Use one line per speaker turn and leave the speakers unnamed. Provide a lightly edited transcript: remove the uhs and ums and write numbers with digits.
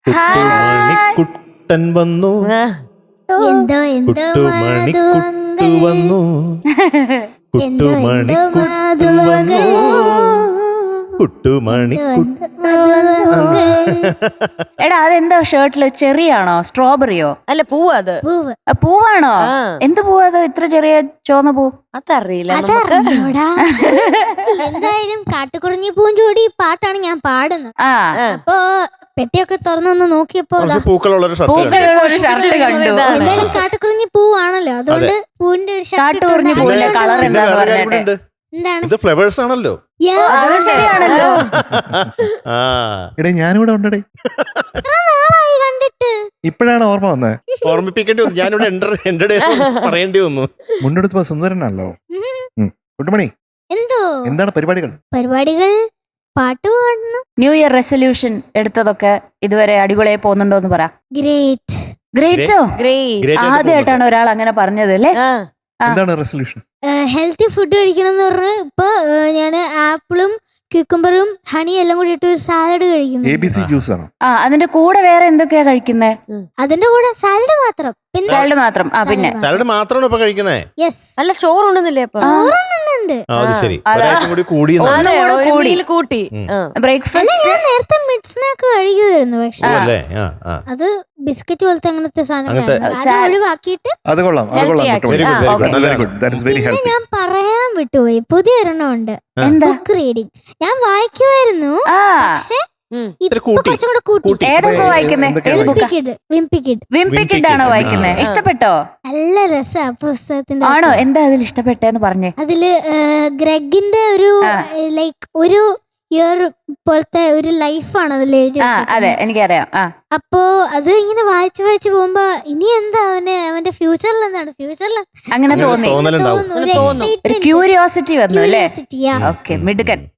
കുട്ടുമണിക്കുട്ടൻ വന്നു,
എന്തോ
കുട്ടുമണിക്കുട്ടു വന്നു, കുട്ടുമണിക്കുട്ടു വന്നു, കുട്ടുമണിക്കുട്ടു.
എടാ അതെന്താ ഷർട്ടില് ചെറിയാണോ സ്ട്രോബെറിയോ?
അല്ല പൂവ് അത്.
പൂവ്.
പൂവാണോ? എന്ത് പൂവാ അത്? ഇത്ര ചെറിയ ചുവന്ന പൂ?
അതറിയില്ല.
എന്തായാലും കാട്ടുകുറിഞ്ഞി പൂഞ്ചോടി പാട്ടാണ് ഞാൻ പാടുന്നത്. അപ്പൊ പെട്ടിയൊക്കെ തുറന്നൊന്ന് നോക്കിയപ്പോ
പൂക്കളുള്ളൊരു
പൂക്കളുള്ളൊരു ഷർട്ട് കണ്ടു.
എന്തായാലും കാട്ടുകുറിഞ്ഞി പൂവാണല്ലോ, അതുകൊണ്ട് പൂവിന്റെ ഒരു
കാട്ടുകുറിഞ്ഞി പൂവിന്റെ കളർ എന്താന്ന് പറഞ്ഞിട്ട്
എന്താണ്
ഇത് ഫ്ലവേഴ്സ് ആണല്ലോ.
അത് ശരിയാണല്ലോ.
എടേ ഞാനിവിടെ ഉണ്ടേ,
കണ്ടിട്ട്
ഇപ്പോഴാണ് ഓർമ്മ വന്നേ.
ഓർമ്മിപ്പിക്കേണ്ടി വന്നു, ഞാനിവിടെ പറയേണ്ടി വന്നു.
മുണ്ടെടുത്തപ്പോ സുന്ദരനാണല്ലോ. കുട്ടുമണി,
എന്തോ
എന്താണ് പരിപാടികൾ?
പാട്ട് പാടുന്നു.
ന്യൂ ഇയർ റെസൊല്യൂഷൻ എടുത്തതൊക്കെ ഇതുവരെ അടിപൊളിയായി പോകുന്നുണ്ടോ എന്ന് പറ. ഗ്രേറ്റോ? ആദ്യമായിട്ടാണ് ഒരാൾ അങ്ങനെ പറഞ്ഞത് അല്ലേ?
എന്താണ് റെസൊല്യൂഷൻ?
ഹെൽത്തി ഫുഡ് കഴിക്കണം എന്ന് പറഞ്ഞ് ഇപ്പൊ ഞാന് ആപ്പിളും ക്യൂക്കംബറും ഹണി എല്ലാം കൂടി ഇട്ട് സാലഡ് കഴിക്കുന്നു.
ABC ജ്യൂസ് ആണോ?
അതിന്റെ കൂടെ വേറെ എന്തൊക്കെയാ കഴിക്കുന്നേ?
അതിന്റെ കൂടെ സാലഡ് മാത്രം. പിന്നെ
സാലഡ് മാത്രം. പിന്നെ
സാലഡ് മാത്രമാണോ ഇപ്പൊ കഴിക്കുന്നേ?
യെസ്.
അല്ല ചോറുണ്ടെന്നില്ലേ അപ്പൊ?
ചോറുണ്ട്.
അത് ശരി, കൂടി
കൂട്ടി
ബ്രേക്ക്ഫാസ്റ്റ്
ഞാൻ നേരത്തെ മിഡ് സ്നാക്ക് കഴിക്കുമായിരുന്നു, പക്ഷെ അത് ബിസ്ക്കറ്റ് പോലത്തെ അങ്ങനത്തെ സാധനം ഒഴിവാക്കിയിട്ട്.
അത് കൊള്ളാം.
പിന്നെ ഞാൻ പറയാൻ വിട്ടുപോയി, പുതിയൊരെണ്ണം ഉണ്ട്. ബുക്ക് റീഡിങ് ഞാൻ വായിക്കുമായിരുന്നു, പക്ഷെ കുറച്ചും കൂടെ കൂട്ടി.
ഏതൊക്കെ വായിക്കുന്നേ?
വിംപിക്കിഡ്
ആണോ വായിക്കുന്നേ? ഇഷ്ടപ്പെട്ടോ?
നല്ല രസാ പുസ്തകത്തിന്റെ.
ആണോ? എന്താ അതിൽ ഇഷ്ടപ്പെട്ടെന്ന് പറഞ്ഞേ.
അതില് ഗ്രെഗിന്റെ ഒരു ലൈക്ക് ഒരു ഇയർ പോലത്തെ ഒരു ലൈഫാണ് അതിൽ എഴുതി.
അതെ, എനിക്കറിയാം.
അപ്പോ അത് ഇങ്ങനെ വായിച്ചു പോകുമ്പോ ഇനി എന്താ അവന്റെ ഫ്യൂച്ചറിൽ എന്താണ്
അങ്ങനെ തോന്നി.
തോന്നുന്നു.
ക്യൂരിയോസിറ്റി വന്നു അല്ലേ? ഓക്കെ, മിടുക്കൻ.